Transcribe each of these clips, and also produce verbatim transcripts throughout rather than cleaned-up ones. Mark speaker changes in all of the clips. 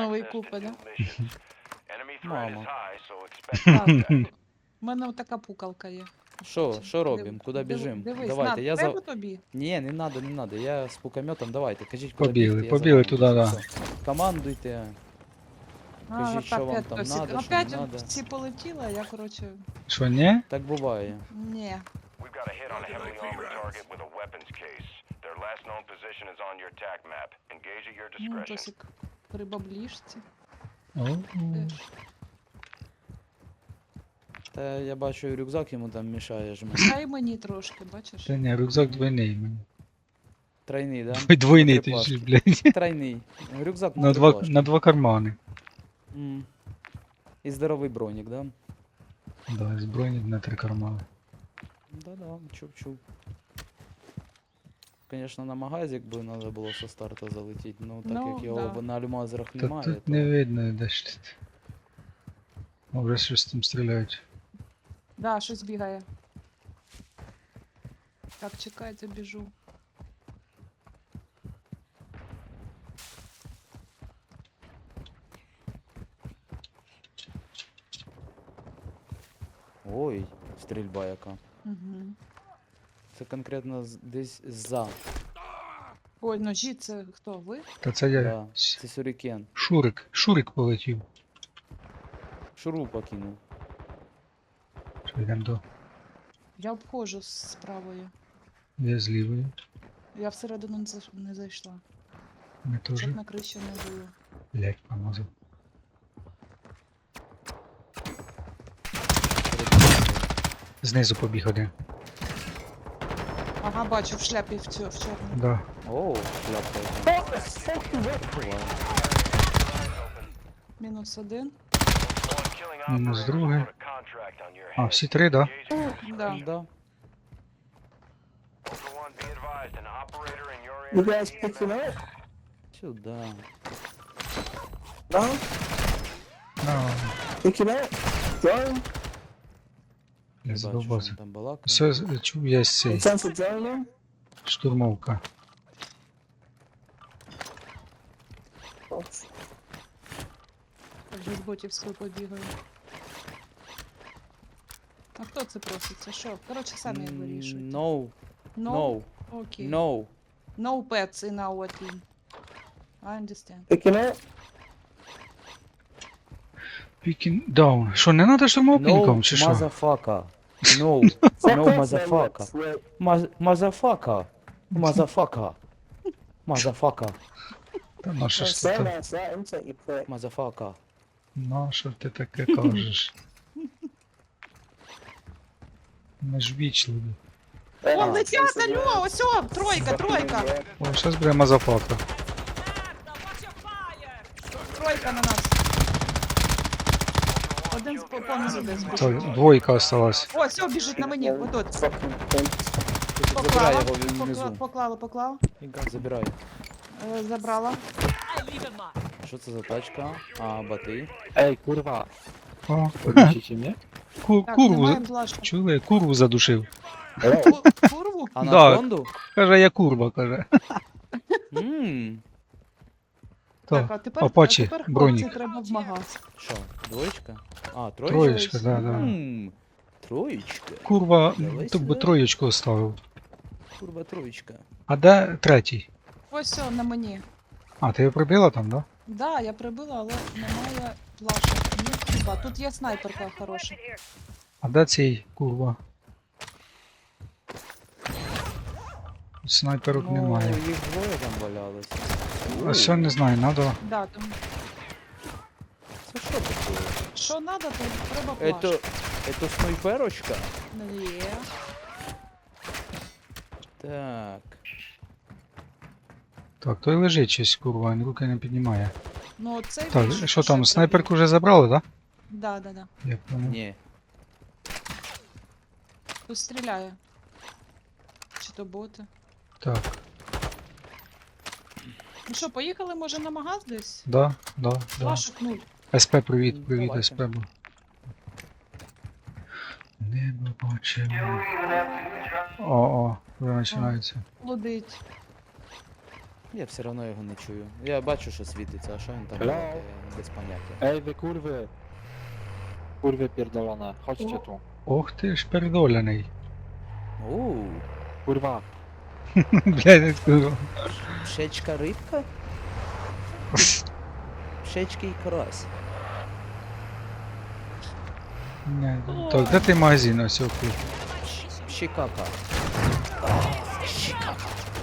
Speaker 1: новий купи, да?
Speaker 2: Мама.
Speaker 1: Так. У мене така пукалка є.
Speaker 2: Що,
Speaker 1: Чи-
Speaker 2: що
Speaker 1: див-
Speaker 2: робимо? Куди
Speaker 1: див-
Speaker 2: біжимо?
Speaker 1: Дивись,
Speaker 2: Давайте,
Speaker 1: на,
Speaker 2: я
Speaker 1: треба
Speaker 2: за...
Speaker 1: тобі?
Speaker 2: Ні, не надо, не надо. Я з пукометом, давайте. Кажіть, куди
Speaker 3: Побігли,
Speaker 2: бігти, я
Speaker 3: побігли
Speaker 2: за
Speaker 3: туди,
Speaker 2: вами.
Speaker 3: да.
Speaker 2: Все. Командуйте.
Speaker 1: А,
Speaker 2: Кажіть,
Speaker 1: так,
Speaker 2: що вам
Speaker 1: опять
Speaker 2: там
Speaker 1: хтось-
Speaker 2: надо, що
Speaker 1: Опять
Speaker 2: не надо.
Speaker 1: всі полетіли, а я, коротше,
Speaker 3: Що, ні?
Speaker 2: Так буває.
Speaker 1: ні.
Speaker 4: We've got a hit on a heavily armored target with a weapons case. Their last known position is on your tac map. Engage at your
Speaker 1: Ну,
Speaker 4: discretion.
Speaker 1: Тосик при баблішці.
Speaker 3: О,
Speaker 1: Теж.
Speaker 2: Та я бачу, рюкзак йому там мішає жме.
Speaker 1: Дай мені трошки, бачиш?
Speaker 3: Та ні, рюкзак двойний мені.
Speaker 2: Тройний, да?
Speaker 3: Двой- Двойний
Speaker 2: На
Speaker 3: ти
Speaker 2: три
Speaker 3: ж,
Speaker 2: плашки.
Speaker 3: блядь.
Speaker 2: Тройний. Рюкзак на,
Speaker 3: На
Speaker 2: три
Speaker 3: два,
Speaker 2: плашки.
Speaker 3: на два кармани.
Speaker 2: М. І здоровий бронік, да?
Speaker 3: Да, збройні на три кармани.
Speaker 2: Да-да, чув-чув. Конечно, на магазик би треба було со старта залетіти, ну так
Speaker 1: Ну,
Speaker 2: як його
Speaker 1: да.
Speaker 2: б на альмазерах
Speaker 3: Та
Speaker 2: немає,
Speaker 3: тут
Speaker 2: то...
Speaker 3: не видно, де ж тут. О, вже щось там стріляють.
Speaker 1: Да, щось бігає. Так, чекайте, біжу.
Speaker 2: Ой, стрільба яка.
Speaker 1: Угу.
Speaker 2: Це конкретно з- десь за.
Speaker 1: Ой, ножі, це хто, ви?
Speaker 3: Та це я.
Speaker 2: Да.
Speaker 3: С-
Speaker 2: Це сюрікен.
Speaker 3: Шурик. Шурик полетів.
Speaker 2: Шурупа кинув.
Speaker 3: Що йдемо до.
Speaker 1: Я обходжу з правою.
Speaker 3: Я з лівої.
Speaker 1: Я всередину не зайш- не зайшла.
Speaker 3: Ми теж.
Speaker 1: Щоб на криші не було.
Speaker 3: Блять, помазав. Знизу побіг один.
Speaker 1: Ага, бачу, в шляпі в, цю, в чорному.
Speaker 3: Да.
Speaker 2: Оу, шляпка яка.
Speaker 1: Мінус один.
Speaker 3: Мінус другий. А, всі три, да?
Speaker 1: Да.
Speaker 2: Да.
Speaker 5: You guys picking up?
Speaker 2: Сюда.
Speaker 5: No?
Speaker 3: А,
Speaker 5: Picking up? Drone?
Speaker 2: Не
Speaker 3: я
Speaker 2: бачу, що
Speaker 3: задовбався.
Speaker 2: він там балакає.
Speaker 3: Все, з- чув я цей.
Speaker 5: It's on for drone now?
Speaker 3: Штурмовка.
Speaker 5: Oh,
Speaker 1: Вже з ботівською побігаю. А хто це просить? Це що? Коротше, самі
Speaker 2: М,
Speaker 1: вирішують.
Speaker 2: No, no,
Speaker 1: Окей.
Speaker 2: no.
Speaker 1: No pets in our team. I understand.
Speaker 5: Picking up?
Speaker 3: Picking down. Що, не треба штурмовку
Speaker 2: No,
Speaker 3: нікому, чи що?
Speaker 2: motherfucker. No,
Speaker 5: Fuck
Speaker 2: no,
Speaker 5: off, man,
Speaker 2: motherfucker.
Speaker 5: let's rip.
Speaker 2: Maz- Motherfucker. Motherfucker. Motherfucker.
Speaker 3: Та на що ж
Speaker 5: Say
Speaker 3: ти
Speaker 5: that,
Speaker 3: так?
Speaker 5: say that, insult, you prick.
Speaker 2: Motherfucker.
Speaker 3: На що ти таке кажеш? Ми ж вічливі.
Speaker 1: О,
Speaker 5: Ah,
Speaker 1: летять,
Speaker 5: sense of
Speaker 1: алло,
Speaker 5: words.
Speaker 1: ось о, тройка, тройка.
Speaker 5: Yeah.
Speaker 3: О, щас буде мазафака.
Speaker 1: Тройка на нас. Один з по- понизу десь біжить.
Speaker 3: Так, двойка осталась.
Speaker 1: О, все, біжить на мені, отут.
Speaker 5: Fucking pimps.
Speaker 2: Забирай
Speaker 1: Поклала,
Speaker 2: його, він
Speaker 1: покла-
Speaker 2: внизу.
Speaker 1: поклала, поклала.
Speaker 2: Забирай.
Speaker 1: Е, Забрала.
Speaker 2: Що це за тачка? А, бати.
Speaker 6: Ej, kurwa,
Speaker 3: О,
Speaker 6: podnosicie mnie?
Speaker 3: ку-
Speaker 1: Так,
Speaker 3: курву.
Speaker 1: немає
Speaker 3: за-
Speaker 1: блажки.
Speaker 3: Чули? Курву задушив.
Speaker 1: Ку- Курву?
Speaker 2: А на
Speaker 3: Да.
Speaker 2: фонду?
Speaker 3: Каже, я курва, каже.
Speaker 2: Ммм.
Speaker 1: Так,
Speaker 3: То,
Speaker 1: а тепер,
Speaker 3: Апачі,
Speaker 1: а тепер хлопці
Speaker 3: бронік.
Speaker 1: треба в магаз.
Speaker 2: Що, двоєчка? А, троєчка?
Speaker 3: Троєчка, да, да.
Speaker 2: Ммм. Троєчка.
Speaker 3: Курва,
Speaker 2: Давай
Speaker 3: то би
Speaker 2: сюди.
Speaker 3: троєчку оставив.
Speaker 2: Курва, троєчка.
Speaker 3: А де третій?
Speaker 1: Ось все, на мені.
Speaker 3: А, ти його прибила там, да?
Speaker 1: Да, я прибила, але немає плашок. Ні, хіба. Тут є снайперка хороша.
Speaker 3: А де цей курва? Снайперок
Speaker 2: Ну,
Speaker 3: немає.
Speaker 2: їх двоє там валялося.
Speaker 3: А що не знаю, надо.
Speaker 1: Да, там.
Speaker 2: Це що таке?
Speaker 1: Що треба, то треба плашки.
Speaker 2: Это, это снайперочка?
Speaker 1: Є.
Speaker 2: Так.
Speaker 3: Так, той лежить щось, курва, він руки не піднімає.
Speaker 1: Ну, цей
Speaker 3: Так,
Speaker 1: більше
Speaker 3: що там,
Speaker 1: ще
Speaker 3: снайперку
Speaker 1: пробіг.
Speaker 3: вже забрали, так?
Speaker 1: Да, да, да.
Speaker 3: Да? Я понял.
Speaker 2: Ні.
Speaker 1: Хтось стріляє. Чи то боти.
Speaker 3: Так,
Speaker 1: Ну що, поїхали, може, на магаз десь?
Speaker 3: да, да, да.
Speaker 1: Плашок нуль.
Speaker 3: СП, привіт, привіт,
Speaker 2: Давайте.
Speaker 3: СП був. Небо бачимо. О, о, вже починається.
Speaker 1: Лудить.
Speaker 2: Я все одно його не чую. Я бачу, що світиться, а що він там
Speaker 6: Hello?
Speaker 2: робить, я без поняття.
Speaker 6: Ej wy kurwy! Kurwy pierdolone, chodźcie tu.
Speaker 3: Ох ти ж передоляний.
Speaker 2: Ууу,
Speaker 6: Kurwa,
Speaker 3: Блядь, курва.
Speaker 2: пшечка рибка? Пшечки і карась.
Speaker 3: Не, так, де ти магазин ось окуп?
Speaker 2: Щикака. Щикака.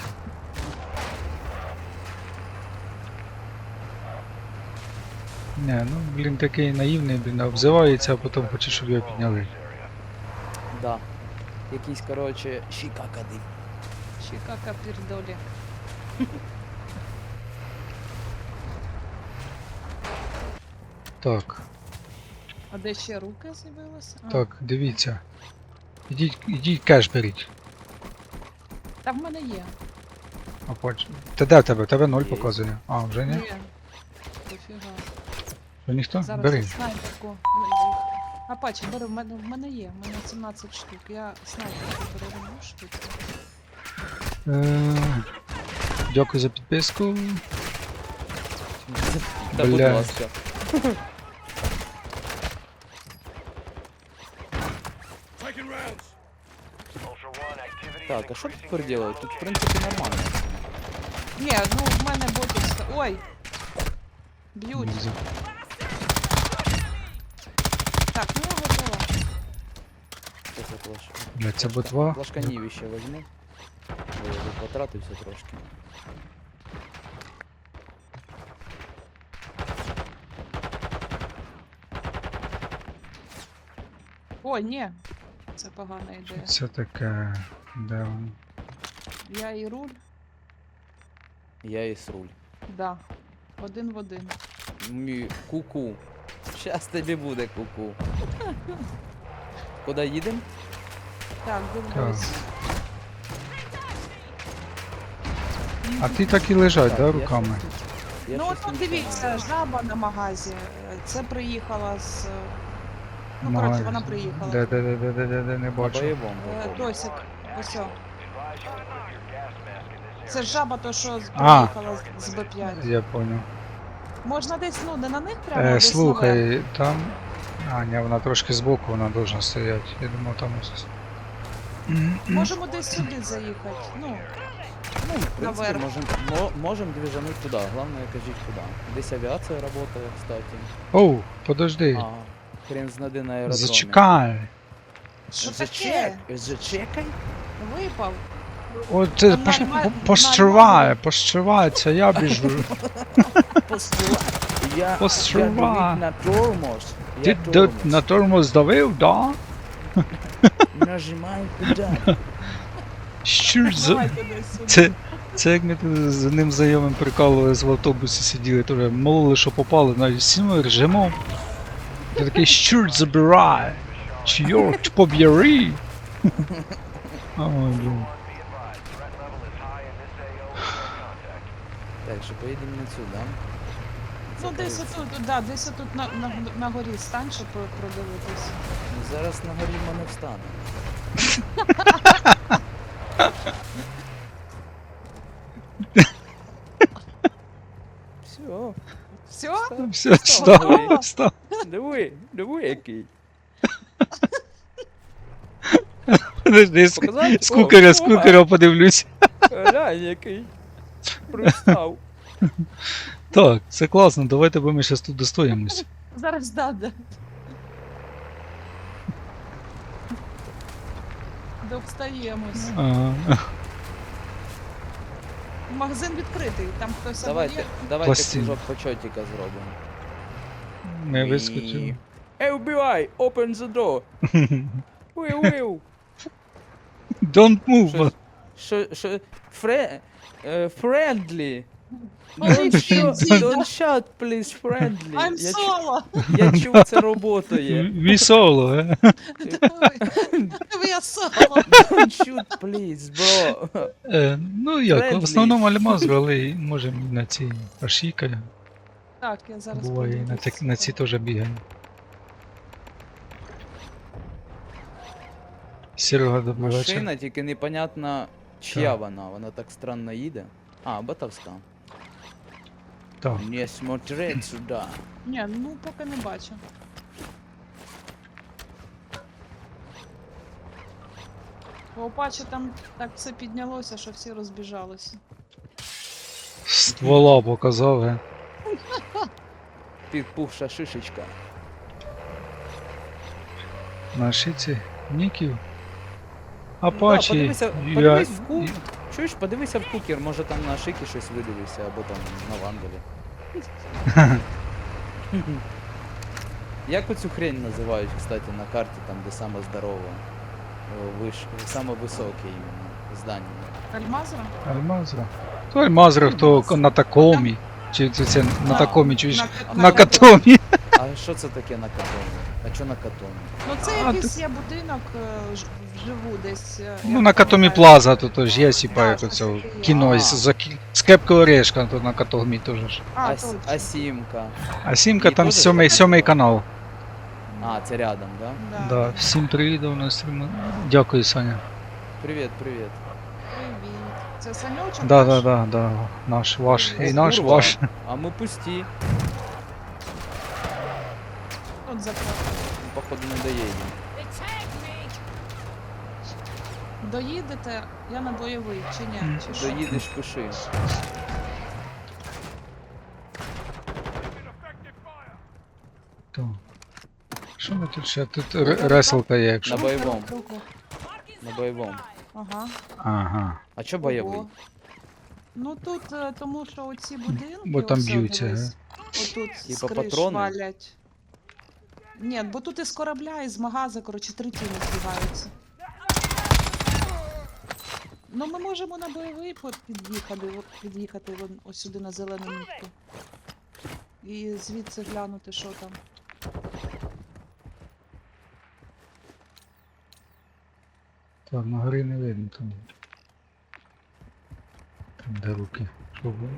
Speaker 3: Не, ну блін такий наївний, блін, обзивається, а потім хоче, щоб його підняли.
Speaker 2: Да. Якийсь, короче, щикакади.
Speaker 1: Чикака пірдолі.
Speaker 3: Так,
Speaker 1: А де ще руки з'явилися? А,
Speaker 3: так, дивіться. Ідіть, ідіть кеш беріть.
Speaker 1: Та в мене є.
Speaker 3: А поч... Та де в тебе? В тебе ноль
Speaker 2: Є.
Speaker 3: показує. А, вже ні?
Speaker 1: Ні. Дофіга.
Speaker 3: Що ніхто?
Speaker 1: Зараз
Speaker 3: Бери.
Speaker 1: я снайперку. А паче, бери, в мене, в мене є. В мене сімнадцять штук. Я снайперку перероблю штуки.
Speaker 3: Е, Дякую за підписку.
Speaker 2: Та будь
Speaker 3: Блядь.
Speaker 2: ласка.
Speaker 4: Ultra One, activity is
Speaker 2: Так, а що
Speaker 4: increasing
Speaker 2: тепер
Speaker 4: near
Speaker 2: делать?
Speaker 4: your
Speaker 2: Тут, в
Speaker 4: location.
Speaker 2: принципі, нормально.
Speaker 1: Ні, ну в мене ботів... ста- Ой! Б'ють.
Speaker 3: Лізу.
Speaker 1: Так, ну я готова.
Speaker 2: Що це флеш?
Speaker 3: Бля, це ботва.
Speaker 2: Флашканівище возьму. Бо я тут потратився трошки.
Speaker 1: Ой, ні. Це погана ідея.
Speaker 3: Це таке. Де воно?
Speaker 1: Я і руль.
Speaker 2: Я і сруль.
Speaker 1: Да. Один в один.
Speaker 2: Мі... Ку-ку. Щас тобі буде ку-ку. Куди їдемо?
Speaker 1: Так, дивлюсь.
Speaker 3: А ти так і лежать, да,
Speaker 2: я
Speaker 3: руками?
Speaker 2: щось тут- я
Speaker 1: Ну
Speaker 2: щось
Speaker 1: от
Speaker 2: тут
Speaker 1: дивіться,
Speaker 2: знаю.
Speaker 1: жаба на магазі. Це приїхала з. Ну,
Speaker 3: Магазин.
Speaker 1: коротше, вона приїхала.
Speaker 3: Де, де, де, де, де, де, де, не
Speaker 2: На
Speaker 3: бачу.
Speaker 2: бойовому.
Speaker 1: Е,
Speaker 2: виходить.
Speaker 1: Тосик, ось. о.
Speaker 4: Advise you to put your gas mask in this
Speaker 1: Це
Speaker 4: area.
Speaker 1: жаба, то що з-
Speaker 3: А.
Speaker 1: приїхала з- з Б п'ять.
Speaker 3: Я понял.
Speaker 1: Можна десь, ну, не на них прямо, а
Speaker 3: Е,
Speaker 1: десь наверх.
Speaker 3: слухай, там. А, ні, вона трошки збоку, вона должна стояти. Я думав, там ось.
Speaker 1: Можемо десь сюди заїхати. Ну,
Speaker 2: Ну, в принципе,
Speaker 1: наверх.
Speaker 2: можем, мо- можем движануть туда. Главное, кажіть куда. Здесь авиация работает, кстати.
Speaker 3: Оу, подожди.
Speaker 2: А, хрен знади на аеродромі.
Speaker 3: Зачекай.
Speaker 1: що
Speaker 2: Зачек...
Speaker 1: таке?
Speaker 2: Зачекай.
Speaker 1: Випав.
Speaker 3: От ти
Speaker 1: Там
Speaker 3: пош...
Speaker 1: нальма-
Speaker 3: по- пощивай,
Speaker 1: нальмазали.
Speaker 3: пощивай, це я біжу.
Speaker 2: Постріла. Я, я
Speaker 3: Постріла.
Speaker 2: давив на тормоз.
Speaker 3: Ти
Speaker 2: Я
Speaker 3: д-
Speaker 2: тормоз.
Speaker 3: на тормоз давив, да?
Speaker 2: Нажимаю педаль.
Speaker 3: Що ж за...
Speaker 1: Давайте десь сюди.
Speaker 3: Це, це як ми тут з одним знайомим прикалувались в автобусі сиділи, теж молили, що попали, навіть всім режимом. Ти такий щурт забирай! Чорт поб'яри! Ой, блін.
Speaker 4: Be advised, threat level is high in this A O with no contact.
Speaker 2: Так, що поїдемо на цю, да?
Speaker 1: Ну,
Speaker 2: Це
Speaker 1: десь
Speaker 2: кажеться.
Speaker 1: отут, да, десь отут на, на, на горі стань, щоб про- продивитися.
Speaker 2: Ну, зараз на горі в мене встане. Все.
Speaker 1: Все?
Speaker 3: Все, став, став.
Speaker 2: Диви, диви який.
Speaker 3: Подожди, з,
Speaker 2: Показати?
Speaker 3: з кукаря, з
Speaker 2: О,
Speaker 3: кукаря подивлюсь.
Speaker 2: Глянь який. Пристав.
Speaker 3: Так, це класно, давайте, бо ми зараз тут достоїмось.
Speaker 1: Зараз да, да. Довстаємось.
Speaker 3: Ага.
Speaker 1: Магазин відкритий, там хтось або
Speaker 2: Давайте,
Speaker 1: є.
Speaker 2: давайте
Speaker 3: Пластин.
Speaker 2: кружок почотика зробимо.
Speaker 3: Ми
Speaker 2: І-
Speaker 3: вискочили.
Speaker 2: Ей, вбивай! Open the door! Виу, виу!
Speaker 3: Don't move!
Speaker 2: Що, що, що, фре, е, friendly!
Speaker 1: Ой,
Speaker 2: Don't shoot,
Speaker 1: Фінзі,
Speaker 2: don't shout, please, friendly!
Speaker 1: I'm
Speaker 2: Я, чу-
Speaker 1: solo!
Speaker 2: я чув, це роботає.
Speaker 3: We solo, е?
Speaker 1: Диви, я соло!
Speaker 2: Don't shoot, please, bro!
Speaker 3: Е, Ну як, в
Speaker 2: Friendly.
Speaker 3: основному альмазу, але можемо і на ці ашіка.
Speaker 1: Так, я зараз
Speaker 3: Буває, і на,
Speaker 1: подивлюсь.
Speaker 3: так, на ці теж бігаємо. Серега, добрий вечір.
Speaker 2: Машина, тільки непонятно, чия вона. Вона так странно їде. А, ботовська.
Speaker 3: Так.
Speaker 2: Не смотреть сюди.
Speaker 1: Ні, ну поки не бачу. У Апачі там так все піднялося, що всі розбіжалися.
Speaker 3: Ствола показав, ге.
Speaker 2: Підпухша шишечка.
Speaker 3: На шиці ніків.
Speaker 2: Да,
Speaker 3: Апачі.
Speaker 2: подивися,
Speaker 3: я...
Speaker 2: подивись в ку... Чуєш, подивися в кукер, може там на шикі щось видивився, або там на вандалі. Як оцю хрень називають, кстати, на карті, там, де саме здорове, о, виш... саме високе іменно здання.
Speaker 1: Альмазра?
Speaker 3: Альмазра. То Альмазра, хто
Speaker 1: Альмазра.
Speaker 3: на такомі. Чи це, це на
Speaker 1: Да,
Speaker 3: такомі, чуєш?
Speaker 1: на-
Speaker 3: На
Speaker 1: на
Speaker 3: катомі.
Speaker 2: А що це таке на катоні? А що на катоні?
Speaker 1: Ну це
Speaker 3: А,
Speaker 1: якийсь є будинок е, ж- вживу десь. е,
Speaker 3: Ну
Speaker 1: я
Speaker 3: на Катомі
Speaker 1: пам'ятаю.
Speaker 3: Плаза, то теж є, сіпа,
Speaker 1: Да,
Speaker 3: як
Speaker 1: щось
Speaker 3: оце
Speaker 1: таке є.
Speaker 3: кіно
Speaker 2: А.
Speaker 3: з, за, кі- з Кепкою Орешка, то на Катомі теж. ж.
Speaker 1: А,
Speaker 2: А,
Speaker 1: точно.
Speaker 2: а сімка.
Speaker 3: А сімка
Speaker 2: І
Speaker 3: там
Speaker 2: теж
Speaker 3: сьомий,
Speaker 2: таке?
Speaker 3: сьомий канал.
Speaker 2: А, це рядом, да?
Speaker 1: Да.
Speaker 3: Да, всім привіт у нас. Дякую, Саня.
Speaker 2: Привіт, привіт.
Speaker 1: Привіт. Це Саньочок?
Speaker 3: Да,
Speaker 1: наш?
Speaker 3: да, да, да. Наш, ваш,
Speaker 1: О,
Speaker 3: і наш,
Speaker 2: курва.
Speaker 3: ваш.
Speaker 2: А ми пусті.
Speaker 1: Тут закрито.
Speaker 2: Походу не доїдемо.
Speaker 1: Доїдете, я на бойовий, чи ні? Чи що?
Speaker 2: Доїдеш, пиши.
Speaker 3: Так. Що ми тут ще? Тут ре- реселка є, якщо.
Speaker 2: На бойовому.
Speaker 1: Руку.
Speaker 2: На бойовому.
Speaker 1: Ага.
Speaker 3: Ага.
Speaker 2: А чо бойовий?
Speaker 1: Ого. Ну тут, е, тому що оці будинки,
Speaker 3: Бо там
Speaker 1: ось,
Speaker 3: б'ються,
Speaker 1: дивись, отут з
Speaker 2: Типа
Speaker 1: криш
Speaker 2: патрони?
Speaker 1: валять. Ні, бо тут із корабля, із магаза, коротше, три тіни збігаються. Ну ми можемо на бойовий по- під'їхати, от під'їхати вон, ось сюди на зелену мітку. І звідси глянути, що там.
Speaker 3: Так, на горі не видно там. Там де руки. Що було?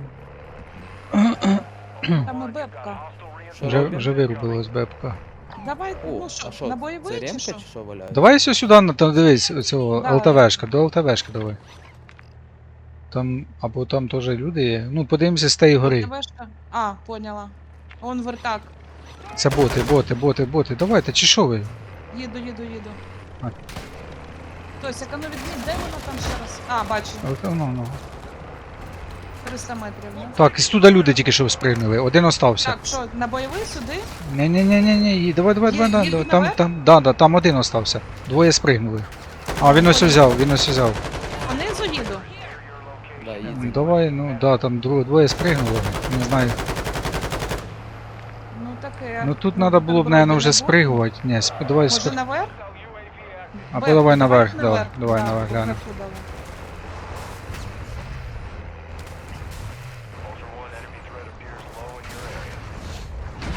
Speaker 1: Там і бебка.
Speaker 2: Що
Speaker 3: Вже,
Speaker 2: робимо?
Speaker 3: вже вирубилась бебка.
Speaker 1: Давай,
Speaker 2: О,
Speaker 1: ну що,
Speaker 2: а що,
Speaker 1: на
Speaker 2: це
Speaker 1: бойовий чи
Speaker 2: ремка
Speaker 1: що?
Speaker 2: чи що валяється?
Speaker 3: Давай ось сюди, на- там дивись, оцього
Speaker 1: Да.
Speaker 3: ЛТВшка, до ЛТВшки давай. Там, або там теж люди є. Ну, подивимося з тієї гори.
Speaker 1: ТВшка? А, поняла. Он вертак.
Speaker 3: Це боти, боти, боти, боти. Давайте, чи що ви?
Speaker 1: Їду, їду, їду.
Speaker 3: А.
Speaker 1: Тось, яка ну відміть, де вона там ще раз? А, бачу,
Speaker 3: Ну, ну, ну.
Speaker 1: триста метрів, ну.
Speaker 3: Так, із туди люди тільки що спригнули, один остався.
Speaker 1: Так, що, на бойовий сюди?
Speaker 3: Ні, ні, ні, ні, ні, давай, давай,
Speaker 1: Є-
Speaker 3: давай, давай,
Speaker 1: їду
Speaker 3: давай. Там,
Speaker 1: наверх?
Speaker 3: там, да, да, там один остався. Двоє спригнули. А, він ось взяв, він ось взяв.
Speaker 1: Понизу їду?
Speaker 2: Да,
Speaker 3: Ну,
Speaker 2: їдь.
Speaker 3: давай, ну, да, там дво- двоє спригнули, не знаю.
Speaker 1: Ну таке.
Speaker 3: Ну тут
Speaker 1: Ну,
Speaker 3: треба
Speaker 1: там
Speaker 3: було б,
Speaker 1: вроді
Speaker 3: наверное,
Speaker 1: не
Speaker 3: вже
Speaker 1: було.
Speaker 3: спригувати. Ні, сп- давай
Speaker 1: Може
Speaker 3: спри...
Speaker 1: наверх?
Speaker 3: Або
Speaker 1: Беб,
Speaker 3: давай
Speaker 1: давай
Speaker 3: наверх, давай, давай
Speaker 1: Да,
Speaker 3: наверх глянемо.
Speaker 1: наверху давай.
Speaker 4: Ultra One, enemy threat appears low in your area.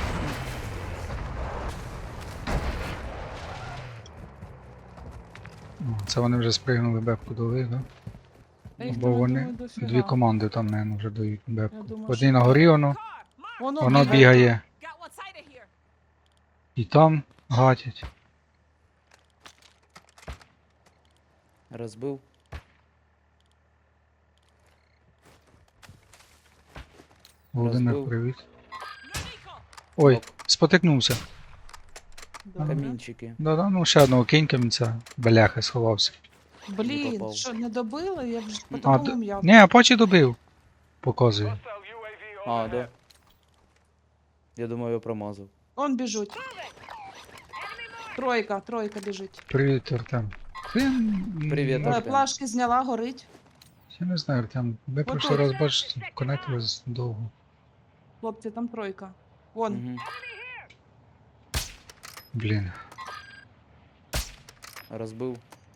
Speaker 3: О, Це вони вже спригнули бебку дали, да?
Speaker 1: Та їх
Speaker 3: Бо
Speaker 1: там, я
Speaker 3: вони
Speaker 1: думаю, дофіга.
Speaker 3: дві команди там, наверное, вже дають бебку.
Speaker 1: Я думаю,
Speaker 3: Одні
Speaker 1: що
Speaker 3: на
Speaker 1: так.
Speaker 3: горі воно,
Speaker 1: Воно,
Speaker 3: воно бігає.
Speaker 7: Got one side of here.
Speaker 3: І там гатять.
Speaker 2: Розбив.
Speaker 3: Володимир,
Speaker 2: Розбив.
Speaker 3: привіт.
Speaker 7: Nico.
Speaker 3: Ой,
Speaker 2: Ок.
Speaker 3: спотикнувся.
Speaker 1: Добре.
Speaker 2: Камінчики.
Speaker 3: Да-да, ну ще одного кинь камінця. Бляха сховався.
Speaker 2: Не
Speaker 1: Блін,
Speaker 2: попав.
Speaker 1: що, не добили? Я вже по
Speaker 3: А,
Speaker 1: такому
Speaker 3: д...
Speaker 1: м'ясу.
Speaker 3: Ні, Апачі добив. Показує.
Speaker 4: Hostile U A V
Speaker 2: А,
Speaker 4: overhead.
Speaker 2: да. Я думаю, я промазав.
Speaker 1: Он біжуть. Тройка, тройка біжить.
Speaker 3: Привіт, Артем. Ти... м,
Speaker 2: Привіт,
Speaker 1: Е,
Speaker 2: Артем.
Speaker 1: Плашки зняла, горить.
Speaker 3: Я не знаю, Артем. Ми
Speaker 1: Отут.
Speaker 3: прошлий раз бачите, конектились довго.
Speaker 1: Хлопці, там тройка. Вон.
Speaker 2: Угу.
Speaker 3: Блін.
Speaker 2: Розбив.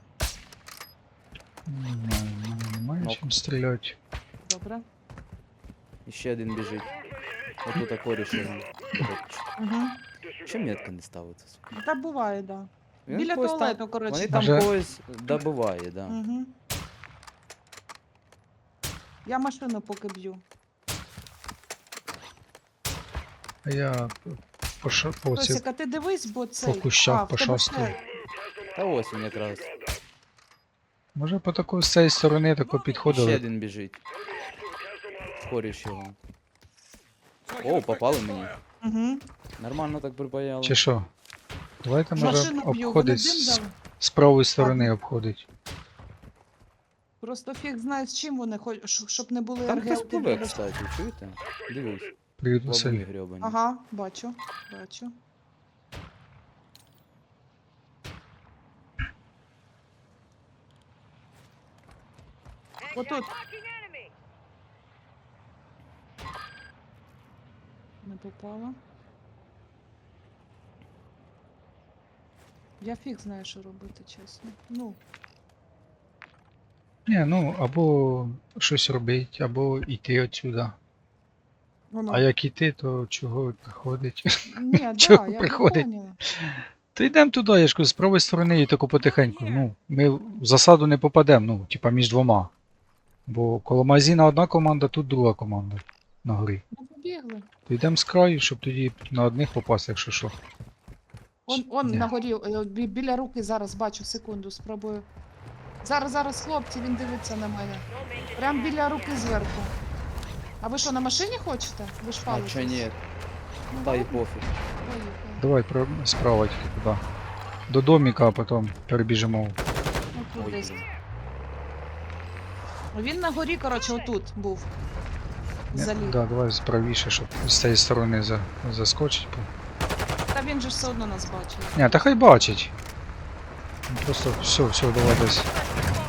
Speaker 3: Не знаю, в мене немає
Speaker 2: Нок.
Speaker 3: чим стріляти.
Speaker 1: Добре.
Speaker 2: І ще один біжить. Отут такой рішив.
Speaker 1: Угу.
Speaker 2: Чим метка не ставиться? сука?
Speaker 1: Та буває, да.
Speaker 2: Він
Speaker 1: Біля
Speaker 2: когось там-
Speaker 1: туалету, коротше.
Speaker 2: Вони там
Speaker 3: Може-
Speaker 2: когось добиває, да.
Speaker 1: Угу. Я машину поки б'ю.
Speaker 3: А я по, ша... по, ці...
Speaker 1: Тосик, а ти дивись, бо цей...
Speaker 3: по кущах
Speaker 1: а, в тебе
Speaker 3: пошастую.
Speaker 1: ще-
Speaker 2: Та ось він якраз.
Speaker 3: Може по таку з цієї сторони тако
Speaker 2: Ще
Speaker 3: підходили.
Speaker 2: один біжить. коріш його. О, попали мені.
Speaker 1: Угу.
Speaker 2: Нормально так припаяло.
Speaker 3: Чи що? Давайте може
Speaker 1: Машину б'ю, вони
Speaker 3: обходить
Speaker 1: дим
Speaker 3: з,
Speaker 1: дали.
Speaker 3: з правої сторони обходить.
Speaker 1: Просто фіг знає, з чим вони хочуть, щоб не були
Speaker 2: Там хтось
Speaker 1: аргелки.
Speaker 2: пливе,
Speaker 1: біля-
Speaker 2: кстати, чуєте? Дивись,
Speaker 3: Привіт,
Speaker 2: лавуни
Speaker 3: Василь.
Speaker 2: грьобані.
Speaker 1: Ага, бачу, бачу. Отут. Не попала. Я фіг знаю, що робити, чесно. Ну,
Speaker 3: Ні, ну, або щось робить, або йти отсюда.
Speaker 1: воно.
Speaker 3: А як іти, то чого приходить?
Speaker 1: Ні, да,
Speaker 3: чого
Speaker 1: я
Speaker 3: приходить?
Speaker 1: поняла.
Speaker 3: То йдемо туди, я ж кажу, з правої сторони і тако потихеньку. Ну, ми в засаду не попадемо, ну, типа між двома. Бо коло магазина одна команда, тут друга команда на горі.
Speaker 1: Ну, побігли.
Speaker 3: То йдемо з краю, щоб тоді на одних попасти, якщо що.
Speaker 1: Он, он
Speaker 3: Ні.
Speaker 1: на горі, е, бі- біля руки зараз бачу, секунду, спробую. Зараз, зараз, хлопці, він дивиться на мене. Прям біля руки зверху. А ви що, на машині хочете? Ви ж
Speaker 2: А
Speaker 1: палитесь.
Speaker 2: чо ні?
Speaker 1: Ну,
Speaker 2: Та й
Speaker 1: ладно,
Speaker 2: пофіг.
Speaker 1: поїхали.
Speaker 3: Давай про- справа тільки туди. До доміка, а потім перебіжимо.
Speaker 1: Ну, тут
Speaker 2: Ой,
Speaker 1: десь.
Speaker 2: блін.
Speaker 1: Він на горі, коротше, отут був.
Speaker 3: Ні,
Speaker 1: Заліг.
Speaker 3: Да, давай справіше, щоб з цієї сторони за, заскочить.
Speaker 1: Та він же ж все одно нас бачив.
Speaker 3: Ні, та хай бачить. Ну, просто все, все, давай десь.
Speaker 4: Ultra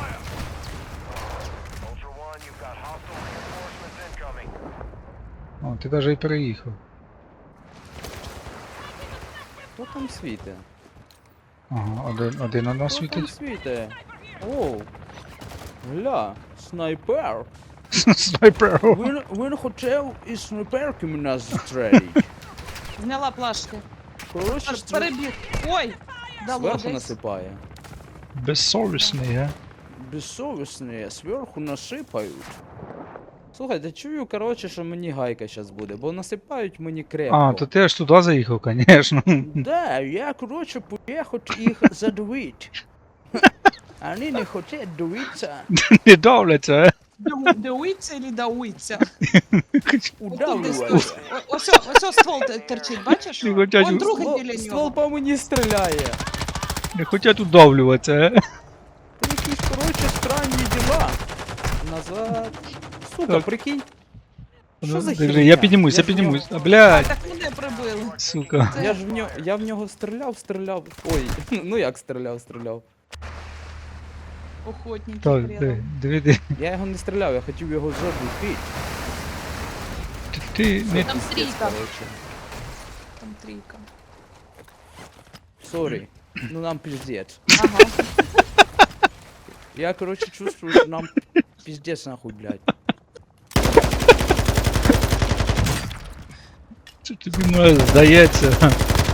Speaker 4: One, you've got hostile reinforcements incoming.
Speaker 3: О, ти навіть і переїхав.
Speaker 2: Хто там світе?
Speaker 3: Ага, один, один на нас
Speaker 2: Хто там
Speaker 3: світить.
Speaker 2: світе? Оу. Гля, снайпер.
Speaker 3: Снайпер.
Speaker 2: Він, він хотів із снайперки мене застрелити.
Speaker 1: Зняла плашки.
Speaker 2: Коротше,
Speaker 1: Пер- Перебіг. Ой! Дало
Speaker 2: зверху
Speaker 1: десь.
Speaker 2: насипає.
Speaker 3: Безсовісний, га?
Speaker 2: Безсовісні, зверху насипають. Слухайте, чую, коротше, що мені гайка зараз буде, бо насипають мені крепко.
Speaker 3: А, то ти аж туди заїхав, звісно.
Speaker 2: Да, я, коротше, поїхав їх задавити. Вони не хочуть дивитися.
Speaker 3: Не давляться, а?
Speaker 1: Дау- Дауиться или дауиться?
Speaker 2: Удавлювати.
Speaker 1: Ось, ось, ось, ось ствол те- терчить, бачиш?
Speaker 3: Не хотять
Speaker 1: Он
Speaker 3: у-
Speaker 1: другий
Speaker 2: Ствол,
Speaker 1: біля
Speaker 2: ствол
Speaker 1: нього.
Speaker 2: по мені стріляє.
Speaker 3: Не хочуть удавлюватися, а?
Speaker 2: Це якісь, коротше, странні діла. Назад. Сука,
Speaker 3: Так.
Speaker 2: прикинь. Що
Speaker 3: Ну,
Speaker 2: за
Speaker 3: держи,
Speaker 2: херня?
Speaker 3: я піднімусь, я
Speaker 2: ж в нього-
Speaker 3: піднімусь. А,
Speaker 1: А,
Speaker 3: блядь,
Speaker 1: так мене прибили.
Speaker 3: сука.
Speaker 2: Я ж в нього, я в нього стріляв, стріляв. Ой, ну як стріляв, стріляв.
Speaker 1: Охотники
Speaker 3: Так,
Speaker 1: хрена.
Speaker 3: диви, диви, диви.
Speaker 2: Я його не стріляв, я хотів його забити.
Speaker 3: Ти, ти не...
Speaker 1: Там трійка.
Speaker 2: Коротше.
Speaker 1: Там трійка.
Speaker 2: Сорі. Ну нам пиздец.
Speaker 1: Ага.
Speaker 2: Я, короче, чувствую, что нам пиздец нахуй, блядь.
Speaker 3: Це тобі може здається.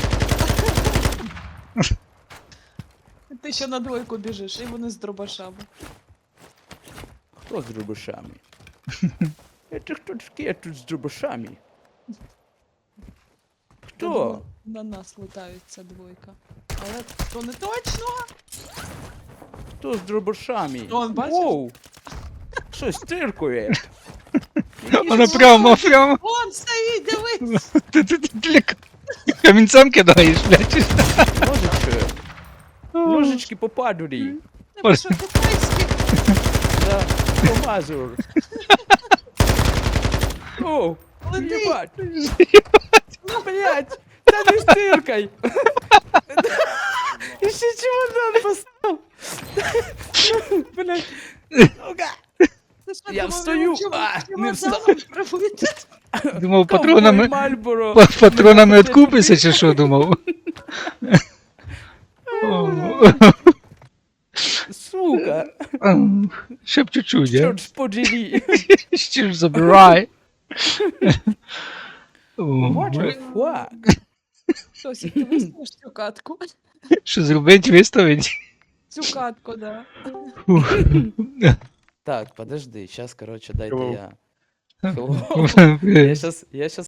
Speaker 1: Ти ще на двойку біжиш, і вони з дробашами.
Speaker 2: Кто с дробашами? Это кто такие тут с дробашами?
Speaker 1: Я
Speaker 2: Кто?
Speaker 1: думала, на нас летають ця двойка. Але то не точно.
Speaker 2: Кто с дробашами?
Speaker 1: Он, бачиш?
Speaker 2: Воу! Что стиркує?
Speaker 3: Вона прямо, прямо.
Speaker 1: Вон стоїть, дивись!
Speaker 3: Ти, ти, ти для к- камінцем кидаєш, блядь.
Speaker 2: Ножички. Ножички по падурі.
Speaker 1: Не що китайські.
Speaker 2: Да, помазур. Оу,
Speaker 1: Лети.
Speaker 2: ебать. Ну, блядь, да не стыркай. Еще чемодан поставил. Блядь. Сука.
Speaker 1: Ти що,
Speaker 2: Я
Speaker 1: думав,
Speaker 2: встаю,
Speaker 1: його чим-
Speaker 2: а,
Speaker 1: чим
Speaker 2: не
Speaker 1: вокзалом
Speaker 2: встав.
Speaker 1: прибити?
Speaker 3: Думав, патронами,
Speaker 2: Мальборо.
Speaker 3: па- патронами відкупишся чи що думав? О,
Speaker 2: Сука.
Speaker 3: Ще б чуть-чуть, а?
Speaker 2: Чорт подери.
Speaker 3: Ще ж забирай. О,
Speaker 2: What the fuck?
Speaker 1: Хтось, ти виставиш цю катку?
Speaker 3: що зробить, виставить?
Speaker 1: Цю катку, да.
Speaker 2: Так, подожди, сейчас, короче, дайте
Speaker 3: Hello.
Speaker 2: я. Hello. Я
Speaker 3: Hello.
Speaker 2: сейчас, я сейчас